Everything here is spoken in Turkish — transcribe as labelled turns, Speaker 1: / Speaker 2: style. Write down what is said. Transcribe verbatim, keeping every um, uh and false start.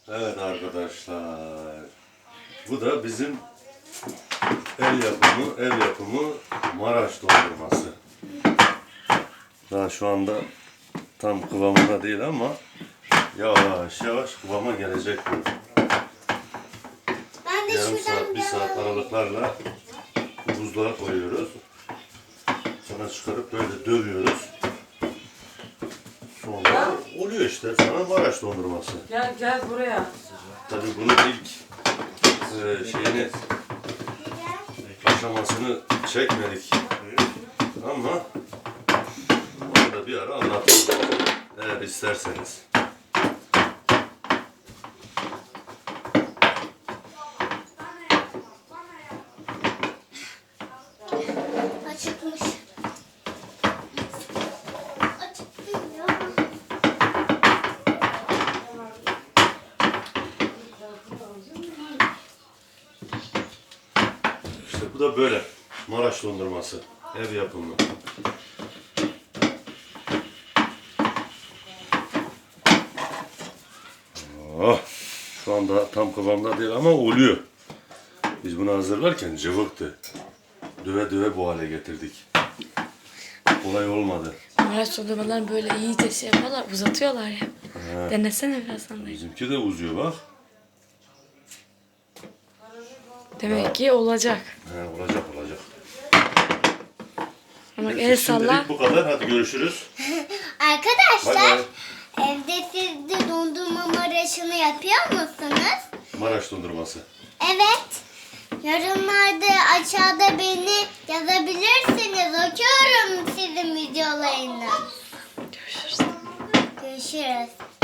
Speaker 1: Evet arkadaşlar, bu da bizim el yapımı, ev yapımı Maraş dondurması. Daha şu anda tam kıvamında değil ama yavaş yavaş kıvama gelecek bu.
Speaker 2: Ben de
Speaker 1: Yarım
Speaker 2: şuradan
Speaker 1: saat, bir
Speaker 2: biraz
Speaker 1: saat aralıklarla buzluğa koyuyoruz. Sonra çıkarıp böyle dövüyoruz. Sonra oluyor işte sana Maraş dondurması.
Speaker 3: Gel gel buraya.
Speaker 1: Tabii bunun ilk e, şeyini, aşamasını çekmedik. Ama onu da bir ara anlatırım eğer isterseniz.
Speaker 2: açıkmış. Açık değil ya.
Speaker 1: İşte bu da böyle Maraş dondurması, ev yapımı. Oh, şu anda tam kıvamda değil ama oluyor. Biz bunu hazırlarken cıvıktı. Döve döve bu hale getirdik. Kolay olmadı.
Speaker 4: Maraş dondurmalarını böyle iyice şey yapıyorlar, uzatıyorlar ya.
Speaker 1: He.
Speaker 4: Denesene birazdan da.
Speaker 1: Bizimki de uzuyor bak.
Speaker 4: Demek ki olacak.
Speaker 1: He, olacak olacak.
Speaker 4: Ama
Speaker 1: Neyse,
Speaker 4: el salla.
Speaker 1: şimdilik bu kadar. Hadi görüşürüz. Bay
Speaker 2: Arkadaşlar,
Speaker 1: bay.
Speaker 2: evde siz de dondurma maraşını yapıyor musunuz?
Speaker 1: Maraş dondurması.
Speaker 2: Evet. Yorumlarda aşağıda beni yazabilirsiniz. Okuyorum sizin videolarını.
Speaker 4: Görüşürüz.
Speaker 2: Görüşürüz.